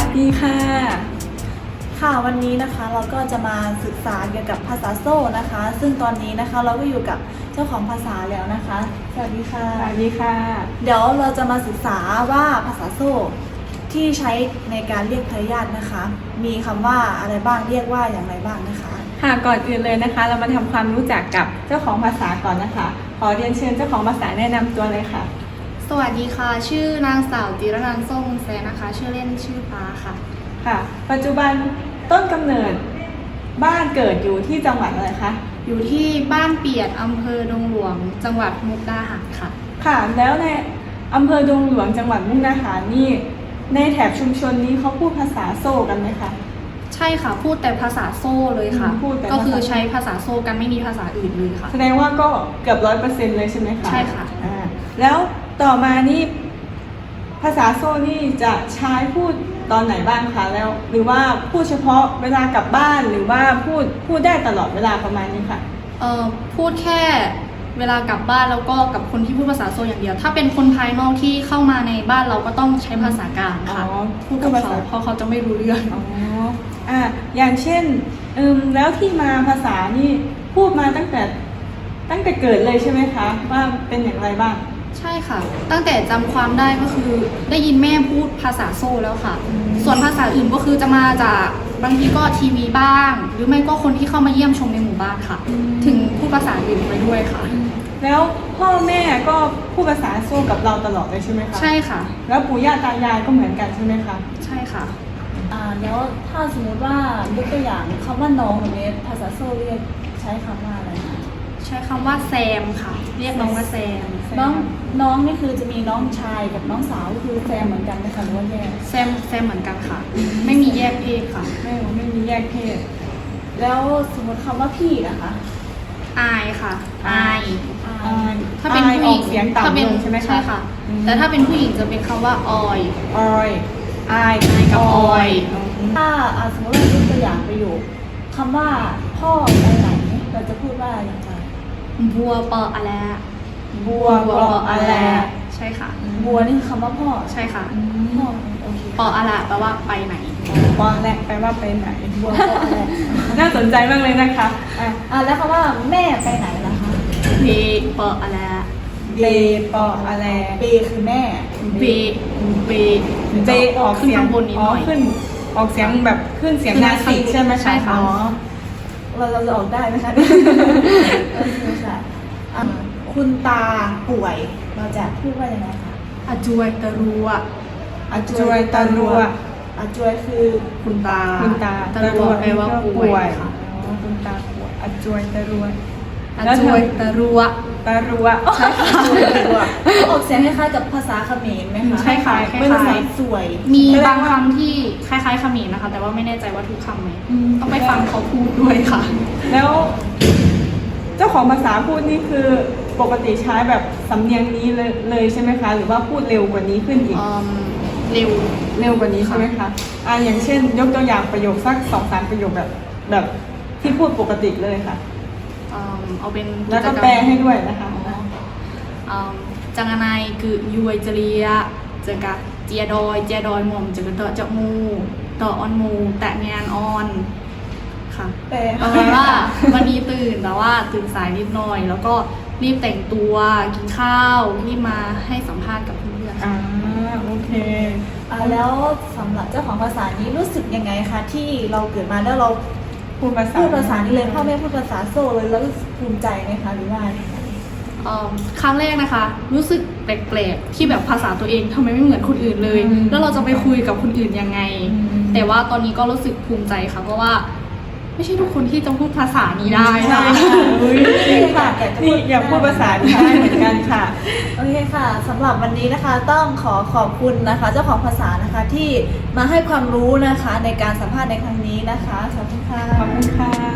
ดีค่ะค่ะวันนี้นะคะเราก็จะมาศึกษาเกี่ยวกับภาษาโซ่นะคะ ซึ่งตอนนี้นะคะเราก็อยู่กับเจ้าของภาษาแล้วนะคะสวัสดีค่ะสวัสดีค่ะเดี๋ยวเราจะมาศึกษาว่าภาษาโซ่ที่ใช้ในการเรียกทายาทนะคะ มีคำว่าอะไรบ้างเรียกว่าอย่างไรบ้างนะคะค่ะก่อนอื่นเลยนะคะ เรามาทำความรู้จักกับเจ้าของภาษาก่อนนะคะขอเรียนเชิญเจ้าของภาษาแนะนำตัวเลยค่ะสวัสดีค่ะชื่อนางสาวจิรนันท์ส้มแซนะคะชื่อเล่นชื่อฟ้าค่ะค่ะปัจจุบันต้นกำเนิดบ้านเกิดอยู่ที่จังหวัดอะไรคะอยู่ที่บ้านเปียดอำเภอดงหลวงจังหวัดมุกดาหารค่ะค่ะแล้วในอำเภอดงหลวงจังหวัดมุกดาหารนี่ในแถบชุมชนนี้เขาพูดภาษาโซ่กันไหมคะใช่ค่ะพูดแต่ภาษาโซ่เลยค่ะก็คือใช้ภาษาโซ่กันไม่มีภาษาอื่นเลยค่ะแสดงว่าก็เกือบ100%เลยใช่ไหมคะใช่ค่ะแล้วต่อมานี่ภาษาโซ่นี่จะใช้พูดตอนไหนบ้างคะแล้วหรือว่าพูดเฉพาะเวลากลับบ้านหรือว่าพูดได้ตลอดเวลาประมาณนี้ค่ะพูดแค่เวลากลับบ้านแล้วก็กับคนที่พูดภาษาโซ่อย่างเดียวถ้าเป็นคนภายนอกที่เข้ามาในบ้านเราก็ต้องใช้ภาษากลางค่ะพูดกับเขาเพราะเขาจะไม่รู้เรื่องอย่างเช่นแล้วที่มาภาษานี่พูดมาตั้งแต่เกิดเลยใช่ไหมคะว่าเป็นอย่างไรบ้างใช่ค่ะตั้งแต่จำความได้ก็คือได้ยินแม่พูดภาษาโซ่แล้วค่ะส่วนภาษาอื่นก็คือจะมาจากบางทีก็ทีวีบ้างหรือไม่ก็คนที่เข้ามาเยี่ยมชมในหมู่บ้านค่ะถึงพูดภาษาอื่นไปด้วยค่ะแล้วพ่อแม่ก็พูดภาษาโซ่กับเราตลอดเลยใช่ไหมคะใช่ค่ะแล้วปู่ย่าตายายก็เหมือนกันใช่ไหมคะใช่ค่ะแล้วถ้าสมมติว่ายกตัวอย่างคำว่าน้องแบบนี้ภาษาโซ่เรียกใช้คำว่าอะไรคะใช้คำว่าแซมค่ะเรียกน้องว่าแซมน้องนี่คือจะมีน้องชายกับน้องสาวคือแซมเหมือนกันไหมคะหรือว่าแยกแซมเหมือนกันค่ะไม่มีแยกเพศค่ะไม่มีแยกเพศแล้วสมมติคำว่าพี่นะคะอายค่ะอายถ้าเป็นผู้หญิงเสียงต่ำลงใช่ไหมคะใช่ค่ะแต่ถ้าเป็นผู้หญิงจะเป็นคำว่าออยอายกับออยถ้าสมมติเรายกตัวอย่างประโยคคำว่าพ่อไปไหนเราจะพูดว่าอย่างไรบัวปออะไรบัวปออะไรใช่ค่ะบัวนี่คือคำว่าพ่อใช่ค่ะพ่อโอเคปออะไรแปลว่าไปไหนปอแรกแปลว่าไปไหนบัวปออะไรน่าสนใจมากเลยนะคะแล้วคำว่าแม่ไปไหนล่ะคะเบปออะไรเบปออะไรเบคือแม่เบออกเสียงบนนี้หน่อยขึ้นออกเสียงแบบขึ้นเสียงนาสิกใช่ไหมใช่ค่ะเราจะออกได้ไหมคะโอเคค่ะคุณตาป่วยเราจะพูดว่ายังไงคะอาจวยตะรัวอาจวยตะรัวอาจวยคือคุณตาตะรัวแปลว่าป่วยค่ะคุณตาป่วยอาจวยตะรัวอาจวยตะรัวใช่ค่ะออกเสียงคล้ายๆกับภาษาเขมรไหมคะใช่ค่ะคล้ายๆสวยมีบางคำที่คล้ายๆเขมรนะคะแต่ว่าไม่แน่ใจว่าทุกคำไหมต้องไปฟังเขาพูดด้วยค่ะแล้วเจ้าของภาษาพูดนี่คือปกติใช้แบบสำเนียงนี้เลยใช่ไหมคะหรือว่าพูดเร็วกว่านี้ขึ้นอีกเร็วกว่านี้ใช่ไหมคะอย่างเช่นยกตัวอย่างประโยคสัก2-3 ประโยคแบบที่พูดปกติเลยค่ะเอาเป็นแล้วก็แปลให้ด้วยนะคะจังไนคือยุยจริยะจะกะเจียดอยหม่อมจะกะเตาะเจาะมูต่อออนมูแตะงานออนค่ะแปลว่าวันนี้ตื่นแต่ว่าตื่นสายนิดหน่อยแล้วก็รีบแต่งตัวกินข้าวรีบมาให้สัมภาษณ์กับเพื่อนโอเคแล้วสำหรับเจ้าของภาษานี้รู้สึกยังไงคะที่เราเกิดมาแล้วเราพูดภาษานี้เลยพ่อแม่พูดภาษาโซ่เลยแล้วภูมิใจไหมคะหรือว่าครั้งแรกนะคะรู้สึกแปลกๆที่แบบภาษาตัวเองทำไมไม่เหมือนคนอื่นเลยแล้วเราจะไปคุยกับคนอื่นยังไงแต่ว่าตอนนี้ก็รู้สึกภูมิใจค่ะเพราะว่าไม่ใช่ทุกคนที่จะพูดภาษานี้ได้ค่ะนี่อยากพูดภาษาไทยเหมือนกันค่ะโอเคค่ะสำหรับวันนี้นะคะต้องขอบคุณนะคะเจ้าของภาษานะคะที่มาให้ความรู้นะคะในการสัมภาษณ์ในครั้งนี้นะคะขอบคุณค่ะขอบคุณค่ะ